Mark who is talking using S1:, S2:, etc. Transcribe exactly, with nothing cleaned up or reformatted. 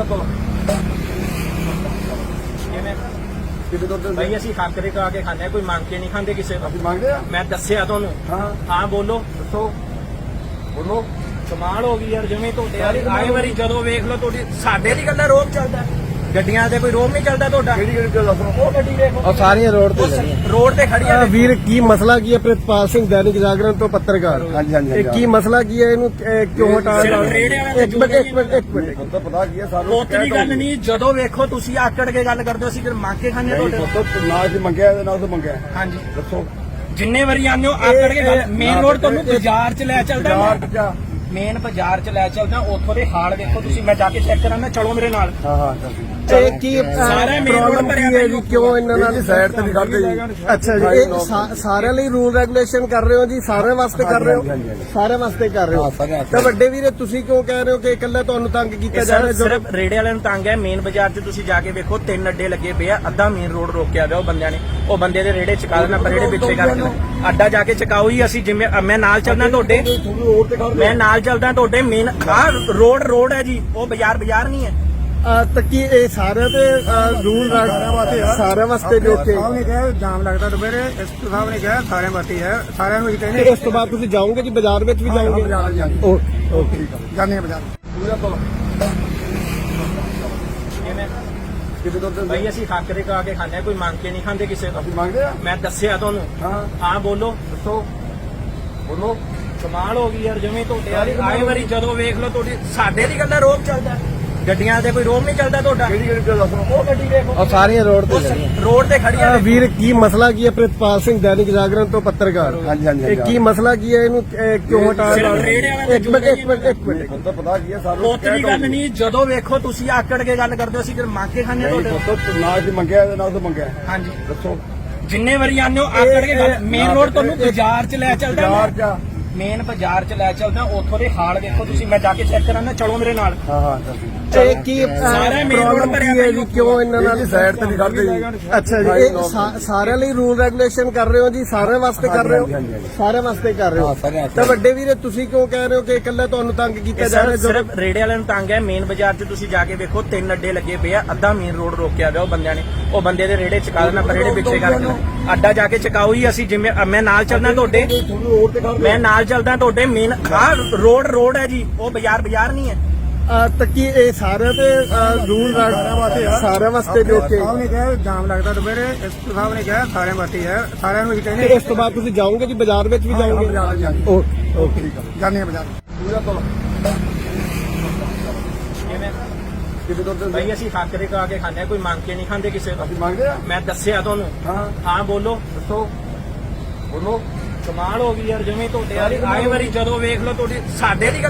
S1: ਤੋਂ
S2: ਕਿਵੇਂ
S1: ਕਿਤੇ ਤੋਂ
S2: ਭਾਈ ਅਸੀਂ ਹੱਕ ਦੇ ਕਾ ਕੇ ਖਾਂਦੇ ਹਾਂ, ਕੋਈ ਮੰਗ ਕੇ ਨਹੀਂ ਖਾਂਦੇ ਕਿਸੇ ਤੋਂ।
S1: ਅਸੀਂ ਮੰਗਦੇ ਆ।
S2: ਮੈਂ ਦੱਸਿਆ ਤੁਹਾਨੂੰ।
S1: ਹਾਂ
S2: ਹਾਂ ਬੋਲੋ।
S1: ਦੱਸੋ ਬੋਲੋ।
S2: ਕਮਾਲ ਹੋ ਗਈ ਯਾਰ, ਜਿਵੇਂ ਤੁਹਾਡੇ ਵਾਲੀ ਆਏ ਵਾਰੀ ਜਦੋਂ ਵੇਖ ਲਓ ਤੁਹਾਡੀ ਸਾਡੇ ਦੀ ਗੱਲਾਂ ਰੋਕ ਚੱਲਦਾ, ਗੱਡੀਆਂ ਤੇ ਕੋਈ ਰੋਕ ਨਹੀਂ ਚੱਲਦਾ ਤੁਹਾਡਾ।
S1: ਕਿਹੜੀ ਕਿਹੜੀ ਗੱਲ ਦੱਸੋ।
S2: ਉਹ ਗੱਡੀ ਦੇਖੋ
S3: और सारी रोड पे
S2: ਉਸ
S3: लगी हैं।
S2: ਰੋਡ ਤੇ ਖੜੀਆਂ ਨੇ।
S3: वीर की मसला की है प्रितपाल सिंह दैनिक जागरण तो पत्रकार
S1: ਹਾਂਜੀ ਹਾਂਜੀ
S3: ਇਹ ਕੀ ਮਸਲਾ ਕੀ ਹੈ ਇਹਨੂੰ ਇਹ ਕਿਉਂ ਹਟਾ
S2: ਸਿਰਫ ਰੇੜੇ ਵਾਲੇ
S3: ਇੱਕ ਮਿੰਟ ਇੱਕ ਮਿੰਟ ਇੱਕ ਮਿੰਟ
S1: ਹੁਣ ਤਾਂ ਪਤਾ ਕੀ ਹੈ ਸਾਨੂੰ
S2: ਪੁੱਤ ਦੀ ਗੱਲ ਨਹੀਂ, ਜਦੋਂ ਵੇਖੋ ਤੁਸੀਂ ਆਕੜ ਕੇ ਗੱਲ ਕਰਦੇ ਹੋ, ਅਸੀਂ ਫਿਰ ਮੰਗ ਕੇ ਖਾਂਦੇ ਹਾਂ ਤੁਹਾਡੇ।
S1: ਪੁੱਤ ਨਾ ਜੀ ਮੰਗਿਆ ਤੇ ਨਾ ਤਾਂ ਮੰਗਿਆ।
S2: ਹਾਂਜੀ
S1: ਦੱਸੋ
S2: ਜਿੰਨੇ ਵਾਰੀ ਆਉਂਦੇ ਹੋ ਆਕੜ ਕੇ ਗੱਲ। ਮੇਨ ਰੋਡ ਤੁਹਾਨੂੰ ਬਾਜ਼ਾਰ ਚ ਲੈ ਚੱਲਦਾ,
S1: ਬਾਜ਼ਾਰ ਚ ਜਾ।
S2: ਮੇਨ ਬਾਜ਼ਾਰ ਚ ਲੈ ਚੱਲਦਾ, ਉੱਥੋਂ ਦੇ ਹਾਲ ਦੇਖੋ ਤੁਸੀਂ। ਮੈਂ ਜਾ ਕੇ ਚੈੱਕ ਕਰਾਂਗਾ, ਚਲੋ ਮੇਰੇ ਨਾਲ।
S1: ਹਾਂ ਹਾਂ ਚੱਲ
S3: ਇਹ ਕੀ
S2: ਸਾਰਾ main road
S3: ਪ੍ਰੋਬਲਮ
S2: ਭਰਿਆ
S3: ਕੀ ਹੈ ਜੀ, ਕਿਉਂ ਇਹਨਾਂ ਨਾਲ
S1: ਸਾਈਡ ਤੇ ਨਹੀਂ ਖੜਦੇ ਜੀ।
S3: ਅੱਛਾ ਜੀ, ਇਹ ਸਾ- ਸਾਰਿਆਂ ਲਈ ਰੂਲ ਰੈਗੂਲੇਸ਼ਨ ਕਰ ਰਹੇ ਹੋ ਜੀ, ਸਾਰਿਆਂ ਵਾਸਤੇ ਕਰ ਰਹੇ
S1: ਹਾਂਜੀ,
S3: ਹੋ,
S1: ਹਾਂਜੀ, ਹਾਂਜੀ।
S3: ਸਾਰਿਆਂ ਵਾਸਤੇ ਕਰ ਰਹੇ
S1: ਹਾਂ,
S3: ਹੋ।
S1: ਸਾਰਿਆਂ ਵਾਸਤੇ।
S3: ਤਾਂ ਵੱਡੇ ਵੀਰੇ ਤੁਸੀਂ ਕਿਉਂ ਕਹਿ ਰਹੇ ਹੋ ਕਿ ਇਕੱਲਾ ਤੁਹਾਨੂੰ ਤੰਗ ਕੀਤਾ
S2: ਇਹ
S3: ਜਾ ਰਿਹਾ?
S2: ਸਰ ਸਿਰਫ ਰੇੜੇ ਵਾਲਿਆਂ ਨੂੰ ਤੰਗ ਹੈ। ਮੇਨ ਬਾਜ਼ਾਰ 'ਚ ਤੁਸੀਂ ਜਾ ਕੇ ਵੇਖੋ, ਤਿੰਨ ਅੱਡੇ ਲੱਗੇ ਪਏ ਆ, ਅੱਧਾ ਮੇਨ ਰੋਡ ਰੋਕਿਆ ਗਿਆ ਉਹ ਬੰਦਿਆਂ ਨੇ। ਉਹ ਬੰਦੇ ਦੇ ਰੇੜੇ ਚਕਾ ਦੇਣਾ, ਪਰ ਰੇੜੇ ਪਿੱਛੇ ਕਰਕੇ ਅੱਡਾ ਜਾ ਕੇ ਚਕਾਓ ਹੀ। ਅਸੀਂ ਜਿਵੇਂ ਮੈਂ ਨਾਲ ਚੱਲਦਾ ਤੁਹਾਡੇ,
S1: ਤੁਹਾਨੂੰ ਰੋਡ ਤੇ ਖੜਦੇ
S2: ਮੈਂ ਨਾਲ ਚੱਲਦਾ ਤੁਹਾਡੇ। ਮੇਨ ਆਹ ਰੋਡ ਰੋਡ ਹੈ ਜੀ, ਉਹ ਬਾਜ਼ਾਰ ਬਾਜ਼ਾਰ ਨਹੀਂ ਹੈ।
S3: ਤਾਂ ਕੀ ਇਹ ਸਾਰਿਆਂ ਦੇ ਰੂਲ ਸਾਰਿਆਂ ਵਾਸਤੇ ਜੋ ਕਿ
S4: ਸਾਹਿਬ ਨੇ ਕਿਹਾ ਜਾਮ ਲੱਗਦਾ ਦੁਪਹਿਰੇ, ਇਸ ਸਾਹਿਬ ਨੇ ਕਿਹਾ ਸਾਰਿਆਂ ਵਾਸਤੇ ਹੈ, ਸਾਰਿਆਂ ਨੂੰ ਹੀ ਕਹਿੰਦੇ
S3: ਇਸ ਤੋਂ ਬਾਅਦ ਤੁਸੀਂ ਜਾਓਗੇ ਜੀ ਬਾਜ਼ਾਰ ਵਿੱਚ ਵੀ ਜਾਓਗੇ?
S4: ਬਾਜ਼ਾਰ ਜਾਂਦੇ
S3: ਓਕੇ ਓਕੇ
S4: ਜਾਂਦੇ ਆ ਬਾਜ਼ਾਰ।
S1: ਪੂਰਾ ਤੋਂ
S2: ਕਿਵੇਂ
S1: ਕਿਤੇ ਤੋਂ
S2: ਭਾਈ ਅਸੀਂ ਹੱਕ ਦੇ ਕਾ ਕੇ ਖਾਂਦੇ ਹਾਂ, ਕੋਈ ਮੰਗ ਕੇ ਨਹੀਂ ਖਾਂਦੇ ਕਿਸੇ ਤੋਂ।
S1: ਅਸੀਂ ਮੰਗਦੇ ਆ।
S2: ਮੈਂ ਦੱਸਿਆ ਤੁਹਾਨੂੰ।
S1: ਹਾਂ
S2: ਹਾਂ ਬੋਲੋ।
S1: ਦੱਸੋ ਬੋਲੋ।
S2: ਕਮਾਲ ਹੋ ਗਈ ਯਾਰ, ਜਿਵੇਂ ਤੁਹਾਡੇ ਵਾਲੀ ਆਏ ਵਾਰੀ ਜਦੋਂ ਵੇਖ ਲਓ ਤੁਹਾਡੀ ਸਾਡੇ ਦੀ ਗੱਲਾਂ ਰੋਕ ਚੱਲਦਾ, ਗੱਡੀਆਂ ਤੇ ਕੋਈ ਰੋਕ ਨਹੀਂ ਚੱਲਦਾ ਤੁਹਾਡਾ।
S1: ਕਿਹੜੀ ਕਿਹੜੀ ਗੱਲ ਦੱਸੋ।
S2: ਉਹ ਗੱਡੀ ਦੇਖੋ
S3: और सारी रोड पे
S2: ਉਸ
S3: लगी हैं।
S2: ਰੋਡ ਤੇ ਖੜੀਆਂ ਨੇ।
S3: वीर की मसला की है प्रितपाल सिंह दैनिक जागरण तो पत्रकार
S1: ਹਾਂਜੀ ਹਾਂਜੀ
S3: ਇਹ ਕੀ ਮਸਲਾ ਕੀ ਹੈ ਇਹਨੂੰ ਇਹ ਕਿਉਂ ਹਟਾ
S2: ਸਿਰਫ ਰੇੜੇ ਵਾਲੇ
S3: ਇੱਕ ਮਿੰਟ ਇੱਕ ਮਿੰਟ ਇੱਕ ਮਿੰਟ
S1: ਹੁਣ ਤਾਂ ਪਤਾ ਕੀ ਹੈ ਸਾਨੂੰ
S2: ਪੁੱਤ ਦੀ ਗੱਲ ਨਹੀਂ, ਜਦੋਂ ਵੇਖੋ ਤੁਸੀਂ ਆਕੜ ਕੇ ਗੱਲ ਕਰਦੇ ਹੋ, ਅਸੀਂ ਫਿਰ ਮੰਗ ਕੇ ਖਾਂਦੇ ਹਾਂ ਤੁਹਾਡੇ।
S1: ਪੁੱਤ ਨਾ ਜੀ ਮੰਗਿਆ ਤੇ ਨਾ ਤਾਂ ਮੰਗਿਆ।
S2: ਹਾਂਜੀ
S1: ਦੱਸੋ
S2: ਜਿੰਨੇ ਵਾਰੀ ਆਉਂਦੇ ਹੋ ਆਕੜ ਕੇ ਗੱਲ। ਮੇਨ ਰੋਡ ਤੁਹਾਨੂੰ ਬਾਜ਼ਾਰ ਚ ਲੈ ਚੱਲਦਾ,
S1: ਬਾਜ਼ਾਰ ਜਾ।
S2: ਮੇਨ ਬਾਜ਼ਾਰ ਚ ਲੈ ਚੱਲਦਾ, ਉੱਥੋਂ ਦੇ ਹਾਲ ਦੇਖੋ ਤੁਸੀਂ। ਮੈਂ ਜਾ ਕੇ ਚੈੱਕ ਕਰਾਂਗਾ, ਚਲੋ ਮੇਰੇ ਨਾਲ।
S1: ਹਾਂ ਹਾਂ ਚੱਲ
S3: ਇਹ ਕੀ
S2: ਸਾਰਾ main road
S3: ਪ੍ਰੋਬਲਮ
S2: ਭਰਿਆ
S3: ਕੀ ਹੈ ਜੀ, ਕਿਉਂ ਇਹਨਾਂ
S1: ਇਹਨਾਂ
S3: ਨਾਲ
S1: ਦੀ ਸਾਈਡ ਤੇ ਨਹੀਂ ਖੜਦੇ ਜੀ।
S3: ਅੱਛਾ ਜੀ, ਇਹ ਸਾ- ਸਾਰਿਆਂ ਲਈ ਰੂਲ ਰੈਗੂਲੇਸ਼ਨ ਕਰ ਰਹੇ ਹੋ ਜੀ, ਸਾਰਿਆਂ ਵਾਸਤੇ ਕਰ ਰਹੇ
S1: ਹਾਂਜੀ, ਹਾਂਜੀ,
S3: ਹੋ,
S1: ਹਾਂਜੀ।
S3: ਸਾਰਿਆਂ ਵਾਸਤੇ ਕਰ ਰਹੇ
S1: ਹਾਂ,
S3: ਹੋ।
S1: ਸਾਰਿਆਂ ਵਾਸਤੇ।
S3: ਤਾਂ ਵੱਡੇ ਵੀਰੇ ਤੁਸੀਂ ਕਿਉਂ ਕਹਿ ਰਹੇ ਹੋ ਕਿ ਇਕੱਲਾ ਤੁਹਾਨੂੰ ਤੰਗ ਕੀਤਾ
S2: ਇਹ
S3: ਜਾ ਰਿਹਾ?
S2: ਸਰ ਸਿਰਫ ਰੇੜੇ ਵਾਲਿਆਂ ਨੂੰ ਤੰਗ ਹੈ। ਮੇਨ ਬਾਜ਼ਾਰ 'ਚ ਤੁਸੀਂ ਜਾ ਕੇ ਵੇਖੋ, ਤਿੰਨ ਅੱਡੇ ਲੱਗੇ ਪਏ ਆ, ਅੱਧਾ ਮੇਨ ਰੋਡ ਰੋਕਿਆ ਗਿਆ ਉਹ ਬੰਦਿਆਂ ਨੇ। ਉਹ ਬੰਦੇ ਦੇ ਰੇੜੇ ਚਕਾ ਦੇਣਾ, ਪਰ ਰੇੜੇ ਪਿੱਛੇ ਕਰਕੇ ਅੱਡਾ ਜਾ ਕੇ ਚਕਾਓ ਹੀ। ਅਸੀਂ ਜਿਵੇਂ ਮੈਂ ਨਾਲ ਚੱਲਦਾ ਤੁਹਾਡੇ,
S1: ਤੁਹਾਨੂੰ ਰੋਡ ਤੇ ਖੜਦੇ
S2: ਮੈਂ ਨਾਲ ਚੱਲਦਾ ਤੁਹਾਡੇ। ਮੇਨ ਆਹ ਰੋਡ ਰੋਡ ਹੈ ਜੀ, ਉਹ ਬਾਜ਼ਾਰ ਬਾਜ਼ਾਰ ਨਹੀਂ ਹੈ।
S3: ਤਾਂ ਕੀ ਇਹ ਸਾਰਿਆਂ ਦੇ ਰੂਲ ਸਾਰਿਆਂ ਵਾਸਤੇ ਜੋ ਕਿ
S4: ਸਾਹਿਬ ਨੇ ਕਿਹਾ ਜਾਮ ਲੱਗਦਾ ਦੁਪਹਿਰੇ, ਇਸ ਸਾਹਿਬ ਨੇ ਕਿਹਾ ਸਾਰਿਆਂ ਵਾਸਤੇ ਹੈ, ਸਾਰਿਆਂ ਨੂੰ ਹੀ ਕਹਿੰਦੇ
S3: ਇਸ ਤੋਂ ਬਾਅਦ ਤੁਸੀਂ ਜਾਓਗੇ ਜੀ ਬਾਜ਼ਾਰ ਵਿੱਚ ਵੀ ਜਾਓਗੇ?
S4: ਬਾਜ਼ਾਰ ਜਾਂਦੇ
S3: ਓਕੇ ਓਕੇ
S4: ਜਾਂਦੇ ਆ ਬਾਜ਼ਾਰ।
S1: ਪੂਰਾ ਤੋਂ
S2: ਕਿਵੇਂ
S1: ਕਿਤੇ ਤੋਂ
S2: ਭਾਈ ਅਸੀਂ ਹੱਕ ਦੇ ਕਾ ਕੇ ਖਾਂਦੇ ਹਾਂ, ਕੋਈ ਮੰਗ ਕੇ ਨਹੀਂ ਖਾਂਦੇ ਕਿਸੇ ਤੋਂ।
S1: ਅਸੀਂ ਮੰਗਦੇ ਆ।
S2: ਮੈਂ ਦੱਸਿਆ ਤੁਹਾਨੂੰ।
S1: ਹਾਂ
S2: ਹਾਂ ਬੋਲੋ।
S1: ਦੱਸੋ ਬੋਲੋ।
S2: ਕਮਾਲ ਹੋ ਗਈ ਯਾਰ, ਜਿਵੇਂ ਤੁਹਾਡੇ ਵਾਲੀ ਆਏ ਵਾਰੀ ਜਦੋਂ ਵੇਖ ਲਓ ਤੁਹਾਡੀ ਸਾਡੇ ਦੀ